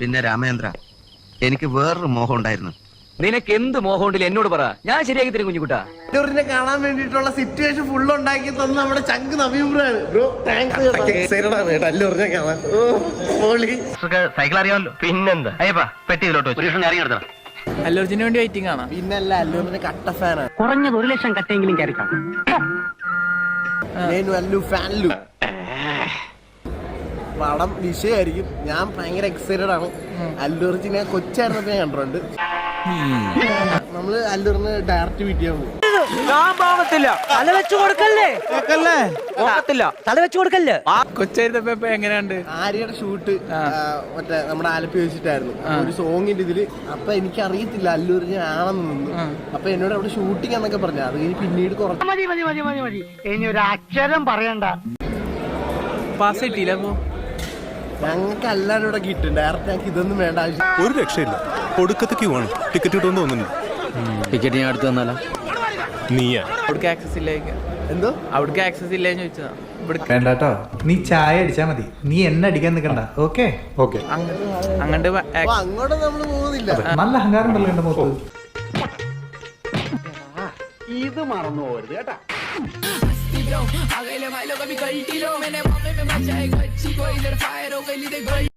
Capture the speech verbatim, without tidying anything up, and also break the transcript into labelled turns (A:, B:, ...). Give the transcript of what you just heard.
A: പിന്നെ രാമേന്ദ്ര, എനിക്ക് വേറൊരു മോഹം ഉണ്ടായിരുന്നു.
B: നിനക്ക് എന്ത് മോഹം ഉണ്ടല്ലോ എന്നോട് പറ, ഞാൻ ശരിയാക്കി തരും കുഞ്ഞുകുട്ടാ.
C: അല്ലൂരിനെ കാണാൻ വേണ്ടിയിട്ടുള്ള സിറ്റുവേഷൻ ഫുൾ ഉണ്ടാക്കി തന്ന നമ്മുടെ ചങ്ക് നവീബ്രാണ് ബ്രോ. താങ്ക്സ്. അല്ലൂരിനെ കാണാൻ
D: സൈക്കിൾ അറിയാമല്ലോ. പിന്നെന്താ അയ്യപ്പാ പെട്ടി ഇതിലോട്ട് ഇറങ്ങി എടുത്തണം.
E: അല്ലൂർജിന് വേണ്ടി വെയിറ്റിംഗ് ആണ്.
C: പിന്നല്ല, അല്ലൂരിന്റെ കട്ട ഫാനാണ്.
F: കുറഞ്ഞത് ഒരു ലക്ഷം കട്ടെങ്കിലും കയറി കാണും.
C: അല്ലു ഫാനല്ലു പടം വിഷയമായിരിക്കും. ഞാൻ ഭയങ്കര എക്സൈറ്റഡ് ആണ്. അല്ലൂർജിനെ കൊച്ചായിരുന്നപ്പോ ഞാൻ കണ്ടിട്ടുണ്ട്. നമ്മള് അല്ലൂറിന് ഡയറക്റ്റ് മീറ്റ് ചെയ്യാൻ പോകും.
F: തല വെച്ചു കൊടുക്കല്ലേ തല വെച്ചു കൊടുക്കല്ലേ.
E: കൊച്ചായിരുന്നപ്പോ എങ്ങനെയുണ്ട്?
C: ആര്യയുടെ ഷൂട്ട് മറ്റേ നമ്മുടെ ആലപ്പി വെച്ചിട്ടായിരുന്നു. ഒരു സോങ്ങിന്റെ ഇതില്. അപ്പൊ എനിക്ക് അറിയത്തില്ല അല്ലൂരിനെ ആണെന്ന് നിന്നു. അപ്പൊ എന്നോട് അവിടെ ഷൂട്ടിംഗ് എന്നൊക്കെ പറഞ്ഞു. അത് കഴിഞ്ഞ് പിന്നീട് കുറച്ച്
F: മതി മതി മതി മതി മതി ഇനി ഒരു അക്ഷരം പറയണ്ട.
E: പാസ് കിട്ടിയില്ല. അപ്പൊ
C: ഞങ്ങൾക്ക് എല്ലാവരും ഇവിടെ കിട്ടും. ഡയറക്റ്റ് ഞങ്ങൾക്ക് ഇതൊന്നും വേണ്ട ആവശ്യം.
G: ഒരു രക്ഷയില്ല. ഒടുക്കത്തെ ക്യൂ ആണ്. ടിക്കറ്റ് കിട്ടുമെന്ന് തോന്നുന്നു.
B: ടിക്കറ്റ് ഞാൻ അടുത്ത് തന്നാലോ?
G: നീയാ
E: അവിടേക്ക് ആക്സസ് ഇല്ല.
C: എന്തോ
E: അവിടേക്ക് ആക്സസ് ഇല്ലെന്ന് ചോദിച്ചതാ.
H: വേണ്ടാട്ടോ, നീ ചായ അടിച്ചാ മതി. നീ എന്നെ അടിക്കാൻ നിൽക്കണ്ട. Okay okay.
E: അങ്ങോട്ട്
C: അങ്ങോട്ട് നമ്മള് പോകുന്നില്ല.
H: നല്ല അഹങ്കാരം ഉണ്ടല്ലോ എന്റെ മുഖത്ത്.
F: ഇത് മറന്നു പോരുത് കേട്ടാ.
I: Aguile bailo con mi coltilo, me ne mame me macha de chico y del faero que li de gol.